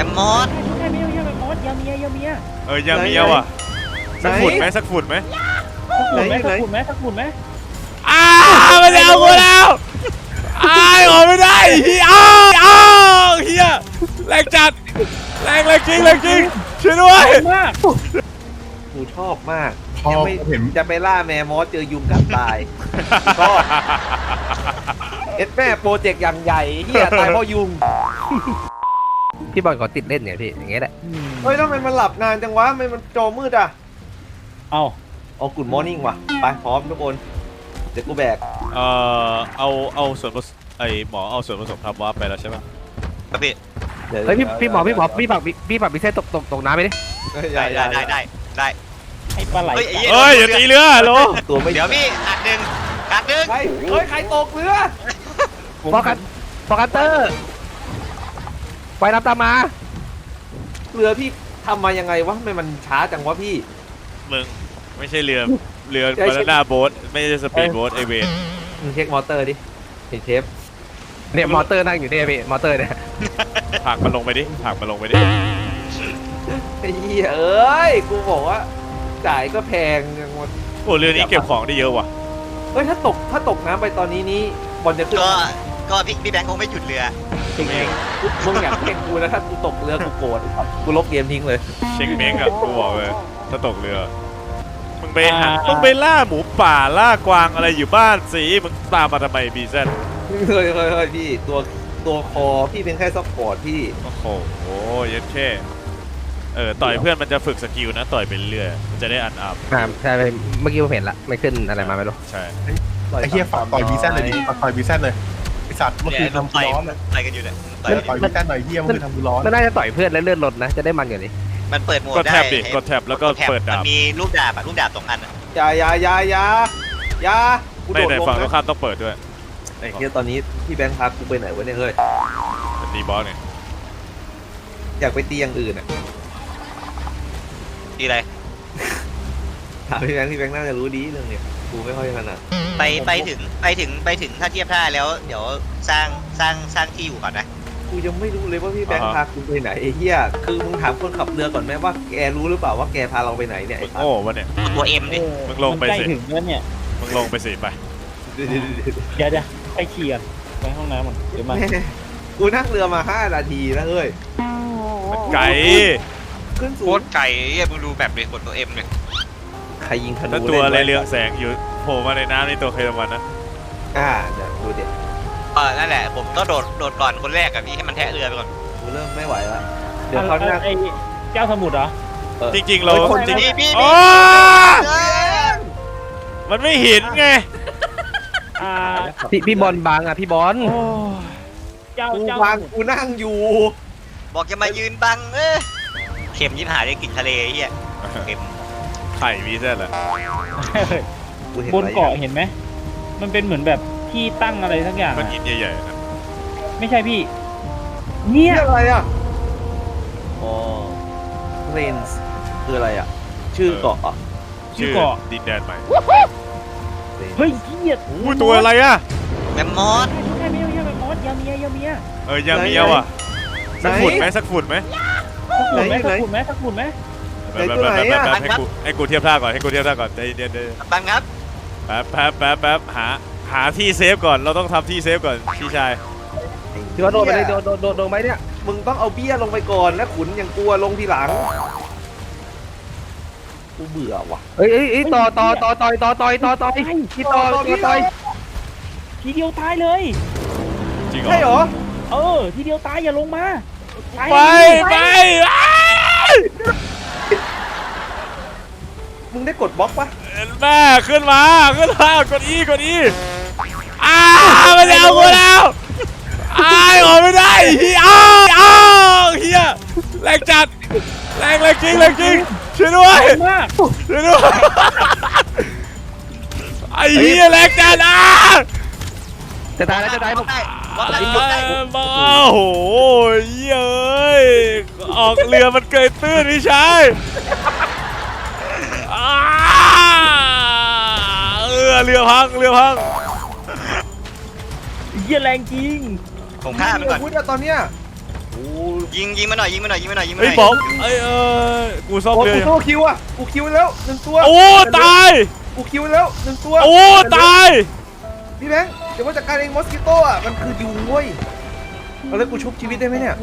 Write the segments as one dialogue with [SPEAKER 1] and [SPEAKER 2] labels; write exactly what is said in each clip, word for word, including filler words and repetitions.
[SPEAKER 1] มมอส
[SPEAKER 2] ไม่ใช่ไม่ใช่แมมมอสยาเมียยาเมีย
[SPEAKER 3] เออยาเมียว่ะสักฝุ่นไหมสักฝุ่นไหม
[SPEAKER 2] สักฝุ่นไหมสักฝุ่นไหมสักฝุ่นไหม
[SPEAKER 3] อ้าวมันจะเอากูแล้วอ้ายออกไม่ได้เฮียอ้าวอ้าวเฮียแรงจัดแรงแรงจริงแรงจริงช่วยด้วย
[SPEAKER 2] มาก
[SPEAKER 4] กูชอบมากยังไม่เห็นจะไปล่าแมมมอสเจอยุงกัดตายชอบเอ็ดแม่โปรเจกต์อย่างใหญ่เฮียตายเพราะยุง
[SPEAKER 5] พี่บอลขอติดเล่นเนี่ยพี่อย่างเงี้ยแหละ
[SPEAKER 4] เฮ้ยทำไมมันหลับนานจังวะทำไมมันจอมืดอ่ะ
[SPEAKER 2] เอา
[SPEAKER 4] เอากุดมอร์นิ่งว่ะไปพร้อมทุกคนเดี๋ยวกูแบก
[SPEAKER 3] เอ่อเอาเอาส่วนผสมไอหมอเอาส่วนผสมทำวาร์ปไปแล้วใช่ไหม
[SPEAKER 1] ครับพี่
[SPEAKER 5] เฮ้ยพี่พี่หมอพี่หมอพี่ปักพี่ปักพี่เส้นตกตกตกน้ำไปดิ
[SPEAKER 1] ได้ได้ได้ได้ได้
[SPEAKER 2] ไอ้ปลาไหล
[SPEAKER 3] เฮ้ยอย่าตีเรือโล
[SPEAKER 4] ตัวไม่
[SPEAKER 1] เดี๋ยวพี่อัดหนึ่งอัดหนึ่ง
[SPEAKER 4] เฮ้ยใครตกเรือ
[SPEAKER 5] ฟอกันฟอกันเตอร์ไปน้ำตามมา
[SPEAKER 4] เรือพี่ทำมายังไงวะทำไมมันช้าจังวะพี่
[SPEAKER 3] มึงไม่ใช่เรือเรือบานาน่าโบ๊ทไม่ใช่สปีดโบ๊ทไอเวน
[SPEAKER 4] มึงเช็คมอเตอร์ดิเห็นเชฟ
[SPEAKER 5] เนี่ยมอเตอร์นั่งอยู่เนี่ยพี่มอเตอร์เนี่ย
[SPEAKER 3] ผักมันลงไปดิผักมันลงไปดิ
[SPEAKER 4] ไอ้เหี้ยเอ้ยกูบอกว่าจ่ายก็แพงยังหมด
[SPEAKER 3] โอ้เรือนี้เก็บของได้เยอะว่ะ
[SPEAKER 4] เฮ้ยถ้าตกถ้าตกน้ำไปตอนนี้นี้บอลจะขึ้น
[SPEAKER 1] ก็ก็พี่พี่แบงค์คงไม่หยุดเรือ
[SPEAKER 4] จริงเองมึงอยากเพ่งกูนะถ้ากูตกเรือกูโกรธกูลบเกมทิ้งเลย
[SPEAKER 3] เช็คเม้งอะกูบอกเลยถ้าตกเรือมึงไปหามึงไปล่าหมูป่าล่ากวางอะไรอยู่บ้านสิมึงตามมาทำไมบีเซน
[SPEAKER 4] เฮ้ยเฮ้ยเฮ้ยพี่ตัวตัวคอพี่เป็นแค่ซัพพอร์ตพี่
[SPEAKER 3] โอ้โหโอ้ยแค่เออต่อยเพื่อนมันจะฝึกสกิลนะต่อยไปเรื่อยมันจะได้อันอัพ
[SPEAKER 5] ใช่เมื่อกี้ผมเห็นละไม่ขึ้นอะไรมาไม่รู้
[SPEAKER 3] ใช่
[SPEAKER 6] ไอ้เหี้ยฝากต่อยบีเซนเลยดิฝากต่อยบีเซนเลยไอ้สัตว์เมื่อคืนทำกูร้อนเลย
[SPEAKER 1] ต่อยกันอยู่เนี่ย
[SPEAKER 6] ต่อยบีเซนหน่อยเหี้ยเมื่อคืนทำกูร้อน
[SPEAKER 5] มันน่าจะต่อยเพื่อนแล้วเลื่อนรถนะจะได้มันอย่างนี้
[SPEAKER 1] มันเปิดโหมดได้
[SPEAKER 3] กดแท็บดิกดแท็บแล้วก็เปิดดาบ
[SPEAKER 1] มีลูกดาบอะลูกดาบสองอัน
[SPEAKER 4] อย่าอย่าอย่าอย่าอย่า
[SPEAKER 3] ไม่แต่ฝั่งตรงข้ามต้องเปิดด้วย
[SPEAKER 4] ไอ้เหี้ยตอนนี้พี่แบงค์พากูไปไหนวะเนี่ยเฮ้ย
[SPEAKER 3] ตีบอสเนี่ย
[SPEAKER 4] อยากไปตีอย่างอื่นอ่ะ
[SPEAKER 1] ตีอะไร
[SPEAKER 4] ถามพี่แบงค์พี่แบงค์น่าจะรู้ดีเรื่องเนี้ยกูไม่ค่อยถนัด
[SPEAKER 1] ไปไปถึงไปถึงไปถึงถ้าเทียบท่าแล้วเดี๋ยวสร้างสร้างสร้างที่อยู่ก่อนนะ
[SPEAKER 4] กูยังไม่รู้เลยว่าพี่แบงค์พากูไปไหนไอ้เหี้ยคือมึงถามคนขับเรือก่อนไหมว่าแกรู้หรือเปล่าว่าแกพาเราไปไหนเนี่ย
[SPEAKER 3] โอ้วะเนี่ย
[SPEAKER 1] ตัวเอ็มดิ
[SPEAKER 3] มึงลงไปสิ
[SPEAKER 2] ถึงแล้วเนี่ย
[SPEAKER 3] มึงลงไปสิไป
[SPEAKER 2] เดี๋ยวเดี๋ยวไปเขี่ยไปห้องน้ำก่อนเดี๋ยวมา
[SPEAKER 4] กูนั่งเรือมาห้านาทีแล้วเฮ้ย
[SPEAKER 3] ไก่
[SPEAKER 4] ขึ้นสูง
[SPEAKER 1] โคตรไก่เฮ้ยมึงดูแบบเลยกดตัวเอ็มเลย
[SPEAKER 4] ใครยิงธนู
[SPEAKER 3] ถ้าตัวอะไรเรืองแสงอยู่โผล่มาในน้ำนี่ตัวเคยรางวัลนะ
[SPEAKER 4] อ่าเดี๋ยวดูเด็ด
[SPEAKER 1] เออนั่นแหละผมก็โดดโดดก่อนคนแรกกับพี่ให้มันแทะเรือไปก่อน
[SPEAKER 4] กูเริ่มไม่ไหวแล้วเดี๋ยวเขาหน้า
[SPEAKER 2] ไอ้เจ้าสมุทรเหรอ
[SPEAKER 3] จริงๆเรา
[SPEAKER 1] จริงๆพี่
[SPEAKER 3] มันไม่เห็นไง
[SPEAKER 5] พี่พี่บอลบางอ่ะพี่บอล
[SPEAKER 2] เจ้า
[SPEAKER 4] เจ้าบางกูนั่งอยู่
[SPEAKER 1] บอกจะมายืนบังเออเข็มยิบหายได้กลิ่นทะเลเฮียเข็ม
[SPEAKER 3] ไข่วีเซ่เหร
[SPEAKER 2] อบนเกาะเห็นไหมมันเป็นเหมือนแบบที่ตั้งอะไรทั้งอย่าง
[SPEAKER 3] มันหินใหญ่ๆนะ
[SPEAKER 2] ไม่ใช่พี่เนี่ย
[SPEAKER 4] อะไรอ่ะอ๋อเพลนส์คืออะไรอ่ะชื่อเกาะอ่ะ
[SPEAKER 2] ชื่อเกาะ
[SPEAKER 3] ดินแดนใหม่
[SPEAKER 2] เฮ้ยเหี้ย
[SPEAKER 3] อุ้ยตัวอะไรอ่ะ
[SPEAKER 1] แมมมอส
[SPEAKER 2] ไม่ใช่ไม่ใช่แมมมอสยาเมียยาเมีย
[SPEAKER 3] เออยาเมียว่ะสักฝุ่นไหมสักฝุ่นไหม
[SPEAKER 2] สักฝุ่นไหมสักฝุ่นไหม
[SPEAKER 3] แบบแบบแบบแบบให้กูให้กูเทียบท่าก่อนให้กูเทียบท่าก่อนใจเย็นๆ
[SPEAKER 1] บังครับ
[SPEAKER 3] แป๊บแป๊บแป๊บแป๊บหาหาที่เซฟก่อนเราต้องทำที่เซฟก่อนพี่ชาย
[SPEAKER 5] พี่ว่าโดนไปเลยโดนโดนโดนโดนไหมเนี่ย
[SPEAKER 4] มึงต้องเอาเบี้ยลงไปก่อนแล้วขุนยังกลัวลงทีหลังกูเบื่อว่ะ
[SPEAKER 5] เอ้ยเอ้ยต่อต่อต่อต่อยต่อต่อยต่อต่อยที่ต่อต่อต่อย
[SPEAKER 2] ทีเดียวตายเลย
[SPEAKER 3] จริงเหรอ
[SPEAKER 4] ใช่เหรอ
[SPEAKER 2] เออทีเดียวตายอย่าลงมา
[SPEAKER 3] ไปไป
[SPEAKER 4] มึงได้กดบล็อกปะ
[SPEAKER 3] แม่ขึ้นมาขึ้นมากดอีกดอีอ้ามันจะเอากูแล้วอ้ายออกไม่ได้เฮียอ้าวอ้าวเฮียแรงจัดแรงแรงจริงแรงจริงช่วยด้วยช่วยด้วยไอ้เฮียแรงจัดอ่ะ
[SPEAKER 5] จะตายแล้วจะตายผม
[SPEAKER 3] บ้าโอ้โหเย้ยออกเรือมันเกยตื้นพี่ชายเออเรือพังเรือพัง
[SPEAKER 2] เยี่ยแรงจริง
[SPEAKER 1] ผมฆ่ามันก่อน
[SPEAKER 4] พูดตอนเนี้ยโอ้
[SPEAKER 1] ยิงยิงมาหน่อยยิงมาหน่อยยิงมาหน่อยยิงมาห
[SPEAKER 3] เฮ้ย
[SPEAKER 1] น่อย
[SPEAKER 3] บอกเอ้ยเออกูซ่อม
[SPEAKER 4] โอ้
[SPEAKER 3] เรือ
[SPEAKER 4] กู
[SPEAKER 3] อยู่
[SPEAKER 4] โตคิวอ่ะกูคิวแล้วหนึ่งตัว
[SPEAKER 3] โอ้ตาย
[SPEAKER 4] กูคิวแล้วหนึ่งตัว
[SPEAKER 3] โอ้ตาย
[SPEAKER 4] พี่แบงค์เดี๋ยวว่าจัดการเองมอสกิโต้อ่ะมันคือยุงเว้ยเอาแล้วกูชุบชีวิตได้ไหมเนี่ย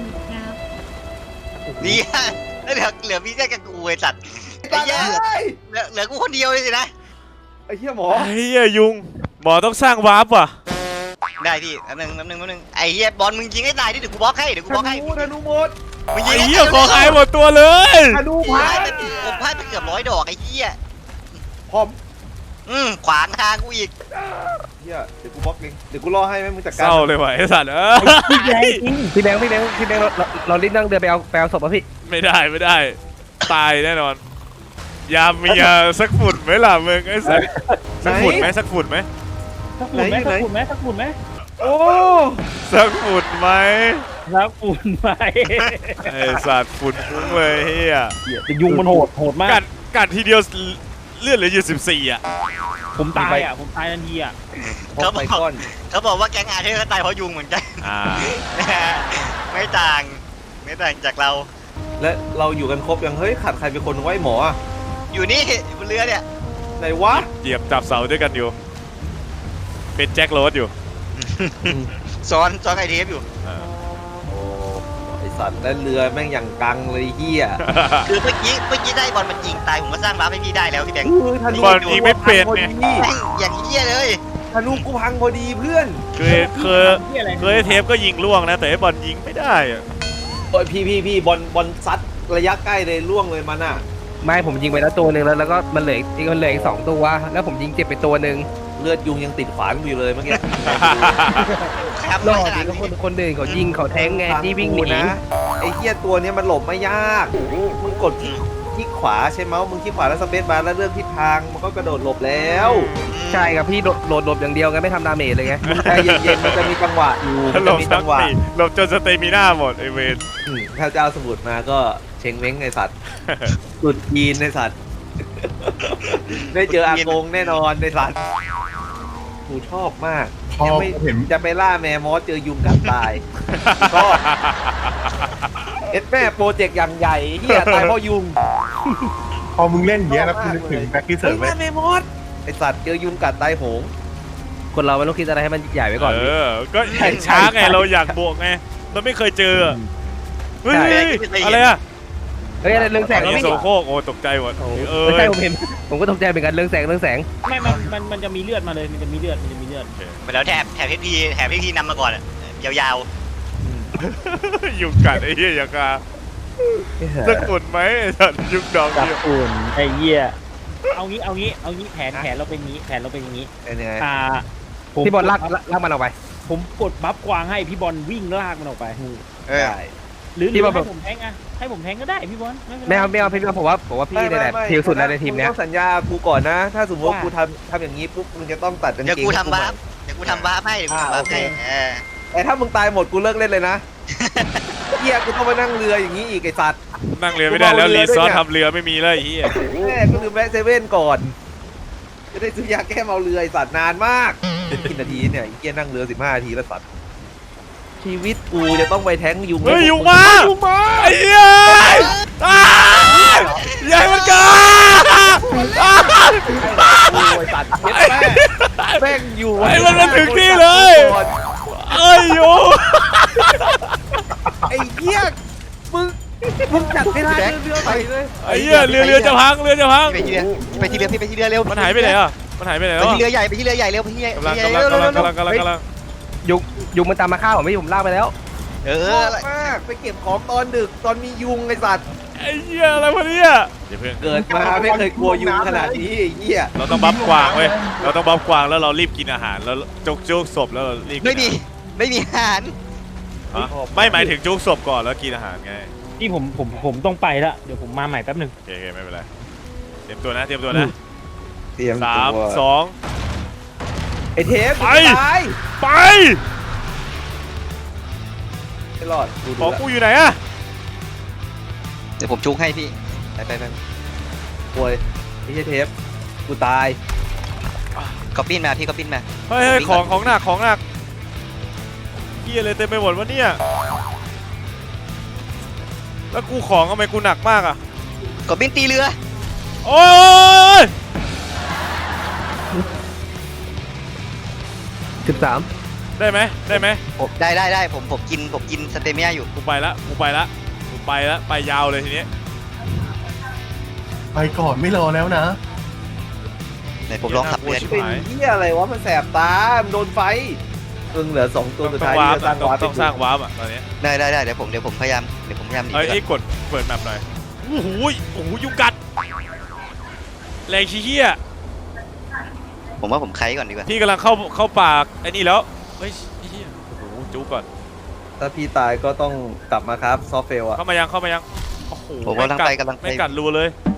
[SPEAKER 1] ดีอะแล้วเหลือเหลือพี่แค่กับกูไอ้สัตว์ไอ้
[SPEAKER 4] ตาย
[SPEAKER 1] เหี้ย
[SPEAKER 4] เลย
[SPEAKER 1] เหลือเหลือกูคนเดียวเลยสินะ
[SPEAKER 4] ไอ้เหี้ยหมอ
[SPEAKER 3] ไอ้เหี้ยยุงหมอต้องสร้างวาร์ปว่ะ
[SPEAKER 1] ได้พี่แป๊บนึงแป๊บนึงแป๊บนึงไอ้เหี้ยบอลมึงยิงให้ตายดิเดี๋ยวกูบล็อกให้เดี๋ยวกู
[SPEAKER 4] ธ
[SPEAKER 1] บล็อกให้
[SPEAKER 4] นูธนูหมด
[SPEAKER 1] มึงยิ
[SPEAKER 3] ไอ้
[SPEAKER 1] งให้
[SPEAKER 3] เหี้ย
[SPEAKER 1] ตาย
[SPEAKER 3] ขอหายหมดตัวเลย
[SPEAKER 4] ธนู
[SPEAKER 1] พลา
[SPEAKER 4] พั
[SPEAKER 1] ด
[SPEAKER 4] ง
[SPEAKER 1] ไปผมพลาดไปเกือบร้อยดอกไอ้เหี้ย
[SPEAKER 4] พร้อม
[SPEAKER 1] อืมขวางทางกูอีก
[SPEAKER 4] เหี้ยเดี๋ยวกูบล็อกเองเดี๋ยวกูรอให้แม่งมึงจัด
[SPEAKER 3] เศ
[SPEAKER 4] การ
[SPEAKER 3] ร้าเลยว่ะไอ้สัตว์เออ
[SPEAKER 5] พี่แบงค์พี่แบงค์พี่แบงค์พี่แบงค์เราเราเรารีบนั่งเรือไปเอาไปเอาศพป่ะพี่
[SPEAKER 3] ไม่ได้ไม่ได้ ตายแน่นอนยามมียาสักฝุ่นไหมล่ะมึงไอ้สัตว์สักฝุ่นไหมสักฝุ่นไหม
[SPEAKER 2] สักฝุ่นไหมสักฝุ่นไหมสักฝุ่นไหม
[SPEAKER 4] โอ้
[SPEAKER 3] สักฝุ่นไหม
[SPEAKER 2] สักฝุ่นไหม
[SPEAKER 3] ไอ้สัตว์ฝุ่นฟุ้งเลยเฮีย
[SPEAKER 2] เหี้ยแต่ยุงมันโหดโหดมา
[SPEAKER 3] กั
[SPEAKER 2] ก
[SPEAKER 3] ดกัดทีเดียวเลือดเหลืออยู่สิบสี่อ่ะ
[SPEAKER 2] ผมตายอ่ะผมตายทันทีอ่ะ
[SPEAKER 4] พกไปก้อน
[SPEAKER 1] เขาบอกว่าแก๊งอาเธอร์ก็ตายเพราะยุงเหมือนกัน
[SPEAKER 3] อ่า
[SPEAKER 1] ไม่ต่างไม่ต่างจากเรา
[SPEAKER 4] และเราอยู่กันครบยังเฮ้ยขาดใครเป็นคนไว้หมออะ
[SPEAKER 1] อยู่นี่บนเรือเนี่ย
[SPEAKER 4] ไหนวะ
[SPEAKER 3] เหยียบจับเสาด้วยกันอยู่ เป็นแจ็คโรสอยู่
[SPEAKER 1] ซ้อนซ้อนไอเทฟอยู่
[SPEAKER 3] อ่า
[SPEAKER 4] โอ้ไอสัตว์และเรือแม่งอย่างกังเลยเฮีย
[SPEAKER 1] คือเมื่อกี้เมื่อกี้ได้บอลมันยิงตายผมก็สร้างบัฟให้พี่ได้แล้วพี่แบงค์
[SPEAKER 4] คือธนู
[SPEAKER 3] บอลยิงไม่เป็นเนี่ย
[SPEAKER 1] แม่งอย่างเหี้ยเลย
[SPEAKER 4] ธนูกูพังพอดีเพื่อน
[SPEAKER 3] เคยเคยเคยเทปก็ยิงล่วงนะ แต่ไอ้บอลยิงไม่ได้อะ
[SPEAKER 4] โอ้ยพี่พี่พี่บอลบอลซัดระยะใกล้เลยล่วงเลยมันอ่ะ
[SPEAKER 5] ไม่ผมยิงไปแล้วตัวหนึ่งแล้วแล้วก็มันเหลืออีกมันเหลืออีกสองตัวแล้วผมยิงเจ็บไปตัวหนึ่ง
[SPEAKER 4] เลือดยุงยังติดฝานกูอยู่เลยเมื่อกี้
[SPEAKER 1] ครับ
[SPEAKER 5] รอด
[SPEAKER 1] ข
[SPEAKER 5] ดี
[SPEAKER 1] นาด
[SPEAKER 5] ก็
[SPEAKER 1] นี้
[SPEAKER 5] คนคนอื่นเขายิงเขาแทงไงที่วิ่งหนี
[SPEAKER 4] นะไอ้เฮียตัวเนี้ยมันหลบไม่ยากมึงกดที่ที่ขวาใช่ไหมมึงที่ขวาแล้วสเปซบาร์แล้วเลือกทิศทางมันก็กระโดดหลบแล้ว
[SPEAKER 5] ใช่ครับพี่โดดโดดหลบอย่างเดียวไงไม่ทำดาเมจเลยไง
[SPEAKER 4] มึงใจเย็นๆมันจะมีจังหวะอยู่มัน
[SPEAKER 3] หล
[SPEAKER 4] จะ
[SPEAKER 3] บ
[SPEAKER 4] มี
[SPEAKER 3] สั
[SPEAKER 4] จั
[SPEAKER 3] ก
[SPEAKER 4] งหวะ
[SPEAKER 3] ทีหลบจนสเตมิน่าหมดไอเวน
[SPEAKER 4] อืมถ้าเจ้าสมุดมาก็เชงเม้งไอสัตว์สุดยีนไอสัตว์ ได้เจออากงแน่นอนไอสัตว์กูชอบมาก
[SPEAKER 6] พอ
[SPEAKER 4] ยังไม่
[SPEAKER 6] เห็น
[SPEAKER 4] จะไปล่าแมมอสเจอยุงกัดตาย ชอบ เอ็ดแม่โปรเจกต์อย่างใหญ่เฮียตายเพราะยุง
[SPEAKER 6] พอมึงเล่นอย่างเงี้ยแล้วกูนึกถึงแบ็คที่เสิร์ฟไหม
[SPEAKER 4] ฮ้ยล่าแมมอสไอสัตว์เจอยุงกัดตายโหง
[SPEAKER 5] คนเราไม่ต้องคิดอะไรให้มันใหญ่ไว้ก่อน
[SPEAKER 3] เอ
[SPEAKER 5] พี่
[SPEAKER 3] อ ก็เห็นช้าไงเราอยากบวกไงเราไม่เคยเจอเฮ้ย
[SPEAKER 5] ใช่
[SPEAKER 3] อะไรอะ
[SPEAKER 5] เฮ้ยอะไรเรื่องแสง
[SPEAKER 3] อัน
[SPEAKER 5] แล้ว
[SPEAKER 3] นี้
[SPEAKER 5] พี่
[SPEAKER 3] โซโคกโอ้ตกใจหมดเออ
[SPEAKER 5] ไม่ใช่ผมเห็นผมก็ตกใจเหมือนกันเรื่องแสงเรื่องแสง
[SPEAKER 2] ไม่มันมันมันจะมีเลือดมาเลยมันจะมีเลือดมันจะมีเลือด
[SPEAKER 1] ไปแล้วแถบแถบพี่พีแถบพี่พีนำมาก่อนอะยาว
[SPEAKER 3] ยุงกัดไอ้เหี้ยอย่างกาสักฝุ่นไหมไอ้สัตว์ยุงดอก
[SPEAKER 2] สัก
[SPEAKER 3] เดียว
[SPEAKER 2] ฝุ่นไอ้เหี้ยเอางี้เอางี้เอางี้แผนแผนเราเป็นงี้แผนเราเป็นอย่างนี้
[SPEAKER 4] เป็นยังไง
[SPEAKER 2] อ่าผม
[SPEAKER 5] พี่บอลลากลากลากมันออกไป
[SPEAKER 2] ผมกดบัฟกวางให้พี่บอลวิ่งลากมันออกไป
[SPEAKER 1] ๆเออ
[SPEAKER 4] ได้
[SPEAKER 2] หรือห
[SPEAKER 5] พี่
[SPEAKER 2] รือบ
[SPEAKER 5] อล
[SPEAKER 2] ให้ผมแทงอะให้ผมแทงก็ได้พี่บอลเป็นร
[SPEAKER 5] ไม่เอาไม่เอาพี่ผมว่าผมว่าพี่เนี่ยแหละผิวสุดแล้วในทีมเนี้ย
[SPEAKER 4] งต้องสัญญากูก่อนนะ ถ้าสมมติว่า
[SPEAKER 2] ว่า
[SPEAKER 4] กูทำทำอย่างนี้ปุ๊บมึงจะต้องตัดกางเกง
[SPEAKER 1] เดี๋ยวกูทำ
[SPEAKER 4] ให้
[SPEAKER 1] บัฟ
[SPEAKER 4] ใหม่
[SPEAKER 1] เดี๋ยวกูทำบัฟให้เดี๋ยวกูทำบัฟให้เออ
[SPEAKER 4] แต่ถ้ามึงตายหมดกูเลิกเล่นเลยนะ เฮียกูต้องมานั่งเรืออย่างนี้อีกไอสัตว์
[SPEAKER 3] นั่งเรือไม่ได้แล้ว
[SPEAKER 4] กูเมาเรือ
[SPEAKER 3] รีซอร์
[SPEAKER 4] ด้วยเนี่ย
[SPEAKER 3] ทำเรือไม่มีแล้วไอ้เหี้ย
[SPEAKER 4] แม่กูลืมแวะเซเว่นก่อน จะได้ซื้อยาแก้เมาเรือไอสัตว์นานมากกี่นาทีเนี่ยไอ้เฮียนั่งเรือสิบห้านาทีแล้วสัตว์ชีวิตกูจะต้องไปแท้งยุง
[SPEAKER 3] เฮ้ย
[SPEAKER 4] ให้
[SPEAKER 3] ยุงมา
[SPEAKER 4] ยุงมา
[SPEAKER 3] ไอ้เหี้ยอ้าวใหญ่มันเกินอ้าว
[SPEAKER 4] โอ้ยสัตว์เย็ดแม่แม่งอยู่
[SPEAKER 3] ไอ้มันมาถึงที่เลยเอ้ยยุง
[SPEAKER 4] ไอ้เหี้ยมึงมึงจัดไม่ได้เรือไปเลย
[SPEAKER 3] ไอ้เหี้ยเรือเรือจะพังเรือจะพัง
[SPEAKER 1] ไปที่เรือไปที่เรือพี่ไปที่เรือเร็ว
[SPEAKER 3] มันหายไปไหนอ่ะมันหายไปไหน
[SPEAKER 1] ไป
[SPEAKER 3] แล้ว
[SPEAKER 1] ที่
[SPEAKER 3] อะ
[SPEAKER 1] เรือใหญ่ไปที่เรือใหญ่เร็วไปที่เรือก
[SPEAKER 3] ำลัง
[SPEAKER 1] ใหญ่
[SPEAKER 3] กำลัง
[SPEAKER 1] เร็ว
[SPEAKER 3] กำลัง
[SPEAKER 1] เร็ว
[SPEAKER 3] กำลังกำลังกำลัง
[SPEAKER 5] ยุงยุงมันตามมาฆ่าผมไม่ผมลากไปแล้ว
[SPEAKER 1] เอ
[SPEAKER 4] ช
[SPEAKER 1] อ
[SPEAKER 4] อบมากไปเก็บของตอนดึกตอนมียุงไอสัตว์
[SPEAKER 3] ไอ้เหี้ยอะไรวะเนี่ยอย่าเพิ่ง
[SPEAKER 4] เกิดมาไม่เคยกลัวยุงขนาดนี้ไอ้เหี้ย
[SPEAKER 3] เราต้องบัฟกวางเว้ยเราต้องบัฟกวางแล้วเรารีบกินอาหารแล้วจุกจุกศพแล้วเรารีบกิน
[SPEAKER 1] ไม่มีไม่มีอาหาร
[SPEAKER 3] ฮะไม่หมายถึงจุกศพก่อนแล้วกินอาหารไง
[SPEAKER 2] ที่ผมผมผมต้องไปละเดี๋ยวผมมาใหม่แป๊บหนึ่ง
[SPEAKER 3] โอเคโอเคไม่เป็นไรเตรียมตัวนะเตรียมตัวนะ
[SPEAKER 4] เตรียม
[SPEAKER 3] สาม
[SPEAKER 4] ตัว
[SPEAKER 3] สอง
[SPEAKER 4] ไอเทป
[SPEAKER 3] ไป
[SPEAKER 4] ตาย
[SPEAKER 3] ไป
[SPEAKER 4] ไม่รอดดู
[SPEAKER 3] ของ
[SPEAKER 4] ดู
[SPEAKER 3] กูอยู่ไหนอะ
[SPEAKER 1] เดี๋ยวผมจุกให้พี่ไปไปไป
[SPEAKER 4] ป่วยไอ้เหี้ยเทปกูตาย
[SPEAKER 1] ก็ปิ้นมาพี่ก็ปิ้นมา
[SPEAKER 3] เฮ้ยเฮ้ยของของหนักของหนักเหี้ยอะไรเต็มไปหมดวะเนี่ยแล้วกูของทำไมกูหนักมากอ่ะ
[SPEAKER 1] กดบินตีเรือ
[SPEAKER 3] โอ้ย
[SPEAKER 5] สิบสาม
[SPEAKER 3] ได้ไหมได้ไหม
[SPEAKER 1] ผมได้ได้ได้ผมผมกินผมกินสเตมิยาอยู่
[SPEAKER 3] กูไปละกูไปละกูไปละไปยาวเลยทีนี้
[SPEAKER 6] ไปก่อนไม่รอแล้วนะ
[SPEAKER 1] ไหนผมลองขับเรือ
[SPEAKER 3] ชิบ
[SPEAKER 4] เป็น
[SPEAKER 3] หาย
[SPEAKER 4] เหี้ยอะไรวะมันแสบตามันโดนไฟเพิ่งเหลือสองตัวสุด
[SPEAKER 3] ต้อง
[SPEAKER 4] ท้าย
[SPEAKER 3] ว้าร์ป
[SPEAKER 4] ที่จะสร้าง
[SPEAKER 3] ต้อง
[SPEAKER 4] วาร์ป
[SPEAKER 3] ต้องสร้างวาร์ปอ่ะตอนนี้
[SPEAKER 1] ได้ได้ได้เดี๋ยวผมเดี๋ยวผมพยายามเดี๋ยวผมพยายามหนี
[SPEAKER 3] เอ้ย
[SPEAKER 1] ไปก่อน
[SPEAKER 3] ไอ้กดเปิดแมปหน่อยโอ้โหโอ้โหยุงกัดแรงชี้เหี้ย
[SPEAKER 1] ผมว่าผมไคก่อนดีกว่า
[SPEAKER 3] พี่กำลังเข้าเข้าปากไอ้นี่แล้วเฮ้ยไอ้เหี้ยโอ้โหจุกก่อน
[SPEAKER 4] ถ้าพี่ตายก็ต้องกลับมาครับซอฟเฟลอะ
[SPEAKER 3] เข้ามายังเข้ามายังโอ้โห
[SPEAKER 1] ผมกำลังไปกำลังไป
[SPEAKER 3] ไม่กัดรูเลย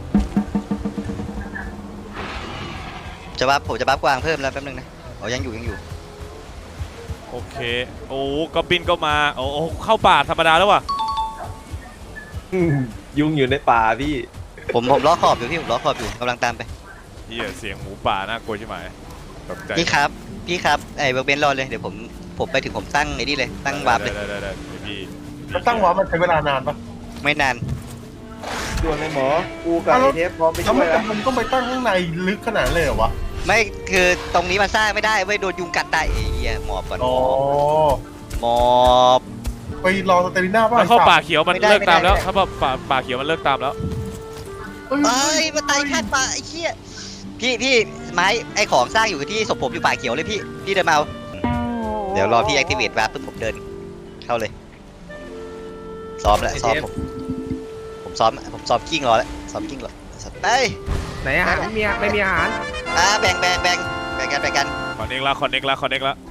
[SPEAKER 1] จะบัฟผมจะบัฟกวางเพิ่มแล้วแป๊บนึงนะอ๋อยังอยู่ยังอยู่
[SPEAKER 3] โอเคโอ้ก็บินก็มาโอ้โหเข้าป่าธรรมดาแล้วว่ะ
[SPEAKER 4] อืมยุงอยู่ในป่าพี่
[SPEAKER 1] ผมผมล้อขอบอยู่พี่ผมล้อขอบอยู่กำลังตามไป
[SPEAKER 3] เหี้ยเสียงหมูป่าน่ากลัวใช่ไหมตกใจ
[SPEAKER 1] พี่ครับพี่ครับไอ้เบอร์เบนรอเลยเดี๋ยวผมผมไปถึงผมตั้งไอ้นี่เลยตั้งวาร์ปเลย
[SPEAKER 3] ได้ได้ได้ได้พี่
[SPEAKER 6] แล้วตั้งวาร์ปมันใช้เวลานานปะ
[SPEAKER 1] ไม่นาน
[SPEAKER 4] ด่วนเลยหมอกูกับไอเทปพร้อมไป
[SPEAKER 6] แล้ว
[SPEAKER 4] ช่ว
[SPEAKER 6] มั
[SPEAKER 4] ย
[SPEAKER 6] น
[SPEAKER 4] แล้ว
[SPEAKER 6] มันต้องไปตั้งข้างในลึกขนาดเลยเหรอวะ
[SPEAKER 1] ไม่คือตรงนี้มันสร้างไม่ได้เว้ยโดนยุงกัดตายไอ้เหี้ยหมอบก่อน
[SPEAKER 6] อ๋อ
[SPEAKER 1] หมอบ
[SPEAKER 6] ไปรอสเตมิน่าป่ะ
[SPEAKER 3] ถ้าเข้าป่าเขียวมัน
[SPEAKER 1] ไม่ได้
[SPEAKER 3] เลิกตาม
[SPEAKER 1] ไม่ได้
[SPEAKER 3] แล้วถ้าป่าป่าเขียวมันเลิกตามแล้ว
[SPEAKER 1] เอ้ยมาตายข้างป่าไอ้เหี้ยพี่พี่ไม้ไอ้ของสร้างอยู่ที่ศพผมอยู่ป่าเขียวเลยพี่พี่เดินมาเอาเดี๋ยวรอพี่แอคทีเวตวาร์ปปุ๊บผมเดินเข้าเลยซ้อมแล้วซ้อมผมผมซ้อมผมซ้อมกิ้งรอแล้วซ้อมกิ้งรอไป
[SPEAKER 5] ไหนอาหารไม่มีไม่มีอาหาร
[SPEAKER 1] อ่าแบ่งแบ่งแบ่งแบ่งกันแบ่งกัน
[SPEAKER 3] คอนเน็กละคอนเน็กละคอนเน็กละ